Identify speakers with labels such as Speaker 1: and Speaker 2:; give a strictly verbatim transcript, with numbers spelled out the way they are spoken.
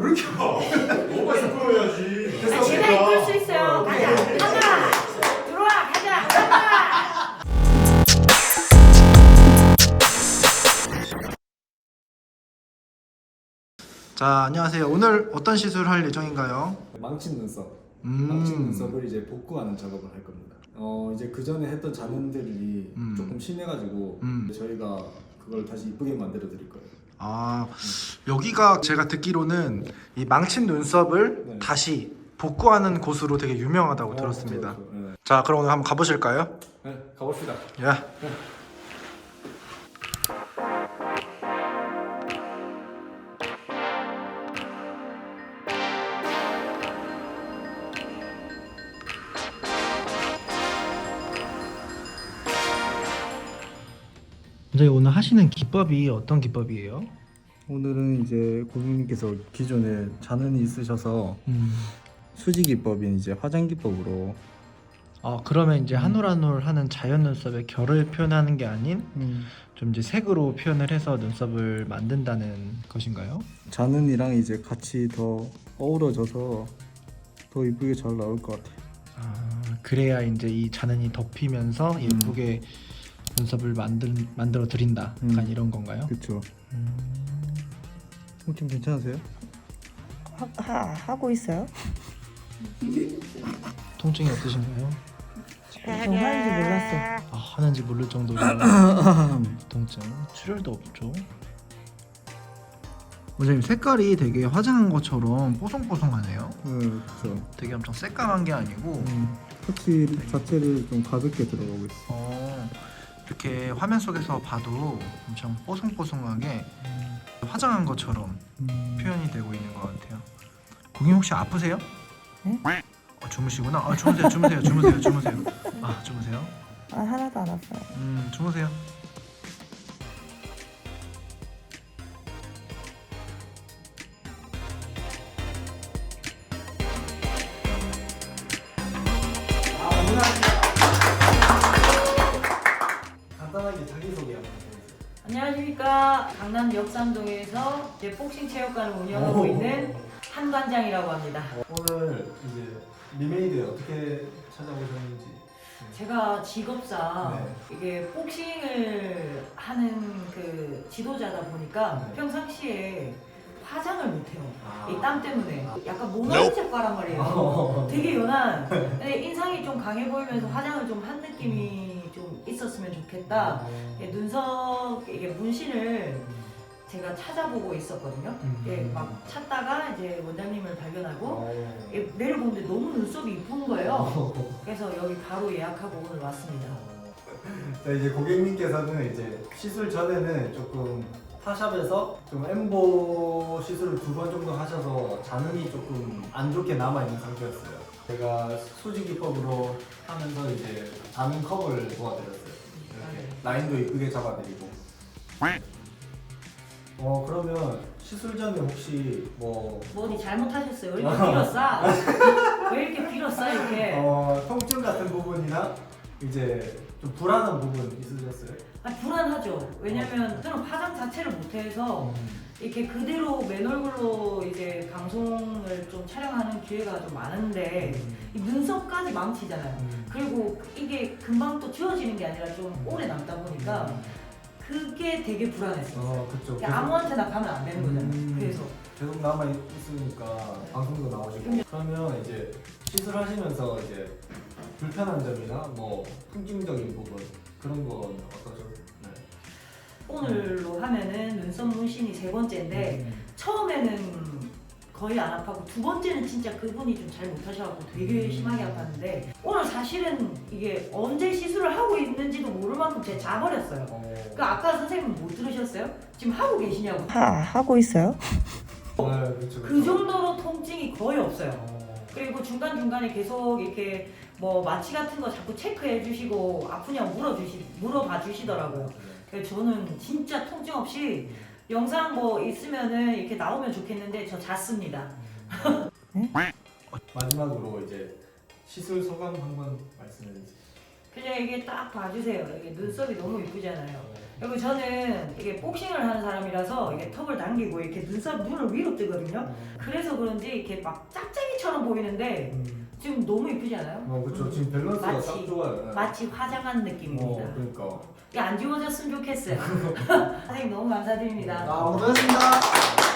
Speaker 1: 왜 이렇게 봐? 너가 이끌어야지.
Speaker 2: 아, 제가 이끌 수 있어요. 가자, 가자. 들어와, 가자, 가자.
Speaker 3: 자, 안녕하세요. 오늘 어떤 시술을 할 예정인가요?
Speaker 4: 망친 눈썹,
Speaker 3: 음.
Speaker 4: 망친 눈썹을 이제 복구하는 작업을 할 겁니다. 어 이제 그 전에 했던 잔흔들이
Speaker 3: 음.
Speaker 4: 조금 심해가지고
Speaker 3: 음.
Speaker 4: 저희가 그걸 다시 이쁘게 만들어 드릴 거예요.
Speaker 3: 아, 여기가 제가 듣기로는 이 망친 눈썹을
Speaker 4: 네.
Speaker 3: 다시 복구하는 곳으로 되게 유명하다고
Speaker 4: 어,
Speaker 3: 들었습니다.
Speaker 4: 그렇죠, 그렇죠. 네.
Speaker 3: 자, 그럼 오늘 한번 가보실까요?
Speaker 4: 네, 가봅시다.
Speaker 3: 야. 선생님, 오늘 하시는 기법이 어떤 기법이에요?
Speaker 4: 오늘은 이제 고객님께서 기존에 잔흔이 있으셔서
Speaker 3: 음.
Speaker 4: 수지 기법인 이제 화장 기법으로
Speaker 3: 아, 그러면 이제 한 올 한 올 하는 자연 눈썹의 결을 표현하는 게 아닌
Speaker 4: 음.
Speaker 3: 좀 이제 색으로 표현을 해서 눈썹을 만든다는 것인가요?
Speaker 4: 잔흔이랑 이제 같이 더 어우러져서 더 이쁘게 잘 나올 것 같아요.
Speaker 3: 아, 그래야 이제 이 잔흔이 덮이면서 예쁘게 눈썹을 만들 만들어 드린다. 약간
Speaker 4: 음.
Speaker 3: 이런 건가요?
Speaker 4: 그렇죠.
Speaker 3: 음.
Speaker 4: 좀 괜찮으세요?
Speaker 2: 하, 하, 하고 있어요?
Speaker 3: 통증이 어떠신가요?
Speaker 2: 저 하는지 몰랐어요.
Speaker 3: 아, 하는지 모를 정도로 통증. 출혈도 없죠. 선생님, 색깔이 되게 화장한 것처럼 뽀송뽀송하네요.
Speaker 4: 네, 그렇죠.
Speaker 3: 되게 엄청 새까만 게 아니고
Speaker 4: 음, 터치 자체를 좀 가볍게 들어가고 있어.
Speaker 3: 어, 이렇게 화면 속에서 봐도 엄청 뽀송뽀송하게 화장한 것처럼
Speaker 4: 음.
Speaker 3: 표현이 되고 있는 것 같아요. 고객님 혹시 아프세요?
Speaker 2: 네?
Speaker 3: 어, 주무시구나. 아, 주무세요, 주무세요, 주무세요, 주무세요. 아, 주무세요.
Speaker 2: 아, 하나도 안 아파요.
Speaker 3: 음, 주무세요.
Speaker 4: 간단하게 자기소개 한번 해주세요.
Speaker 2: 안녕하십니까. 강남 역삼동에서 이제 복싱 체육관을 운영하고 있는 한관장이라고 합니다.
Speaker 4: 오늘 이제 리메이드 어떻게 찾아오셨는지.
Speaker 2: 제가 직업상
Speaker 4: 네.
Speaker 2: 이게 복싱을 하는 그 지도자다 보니까
Speaker 4: 네.
Speaker 2: 평상시에 화장을 못해요.
Speaker 4: 아.
Speaker 2: 이 땀 때문에 약간 모나리 색깔란 말이에요. 되게 연한. 근데 인상이 좀 강해 보이면서 화장을 좀 한 느낌이 좀 있었으면 좋겠다. 이게 눈썹 이게 문신을 제가 찾아보고 있었거든요. 이게 막 찾다가 이제 원장님을 발견하고 이게 내려보는데 너무 눈썹이 이쁜 거예요. 그래서 여기 바로 예약하고 오늘 왔습니다.
Speaker 4: 자, 이제 고객님께서는 이제 시술 전에는 조금 타샵에서 좀 엠보 시술을 두 번 정도 하셔서 잔흔이 조금 안 좋게 남아 있는 상태였어요. 제가 수지 기법으로 하면서 이제 잔흔 컵을 도와드렸어요. 이렇게 라인도 이쁘게 잡아드리고. 어 그러면 시술 전에 혹시 뭐
Speaker 2: 뭐 어디 잘못하셨어요? 왜 이렇게 빌었어? 왜 이렇게 빌었어 이렇게?
Speaker 4: 어, 통증 같은 부분이나 이제 좀 불안한 부분 있으셨어요?
Speaker 2: 아, 불안하죠. 왜냐면 저는 화장 자체를 못해서 이렇게 그대로 맨 얼굴로 이제 방송을 좀 촬영하는 기회가 좀 많은데 이 눈썹까지 망치잖아요. 그리고 이게 금방 또 지워지는 게 아니라 좀 오래 남다 보니까 그게 되게 불안했어요.
Speaker 4: 어, 그쵸.
Speaker 2: 그러니까 아무한테나 가면 안 되는 거잖아요.
Speaker 4: 음.
Speaker 2: 그래서
Speaker 4: 계속 남아 있으니까 방송도 나오시고 그러면 이제 시술하시면서 이제 불편한 점이나 뭐 풍김적인 부분 그런 건 어떠셨나요?
Speaker 2: 오늘로 하면은 눈썹 문신이 세 번째인데
Speaker 4: 음.
Speaker 2: 처음에는 거의 안 아파고 두 번째는 진짜 그분이 좀 잘 못하셔갖고 되게
Speaker 4: 음.
Speaker 2: 심하게 아팠는데 오늘 사실은 이게 언제 시술을 하고 있는지도 모를 만큼 제가 자버렸어요.
Speaker 4: 어,
Speaker 2: 그 아까 선생님 못 들으셨어요? 지금 하고 계시냐고.
Speaker 5: 하, 하고 있어요?
Speaker 4: 네, 그렇죠,
Speaker 2: 그
Speaker 4: 그렇죠.
Speaker 2: 정도로 통증이 거의 없어요.
Speaker 4: 어,
Speaker 2: 그리고 중간중간에 계속 이렇게 뭐 마취 같은 거 자꾸 체크해 주시고 아프냐고 물어주시, 물어봐 주시더라고요. 그래서 저는 진짜 통증 없이 영상 뭐 있으면은 이렇게 나오면 좋겠는데 저 잤습니다.
Speaker 4: 마지막으로 이제 시술 소감 한번 말씀해 주세요.
Speaker 2: 그냥 이게 딱 봐주세요. 이게 눈썹이 너무 이쁘잖아요. 그리고 저는 이게 복싱을 하는 사람이라서 이게 턱을 당기고 이렇게 눈썹 눈을 위로 뜨거든요. 그래서 그런지 이렇게 막 짝짝이처럼 보이는데
Speaker 4: 음.
Speaker 2: 지금 너무 이쁘지 않아요?
Speaker 4: 어 그렇죠. 지금 밸런스가
Speaker 2: 마치-
Speaker 4: 딱 좋아요.
Speaker 2: 마치 화장한 느낌입니다.
Speaker 4: 어 그러니까.
Speaker 2: 이게 안 지워졌으면 좋겠어요. 선생님 너무 감사드립니다.
Speaker 4: 아 고맙습니다.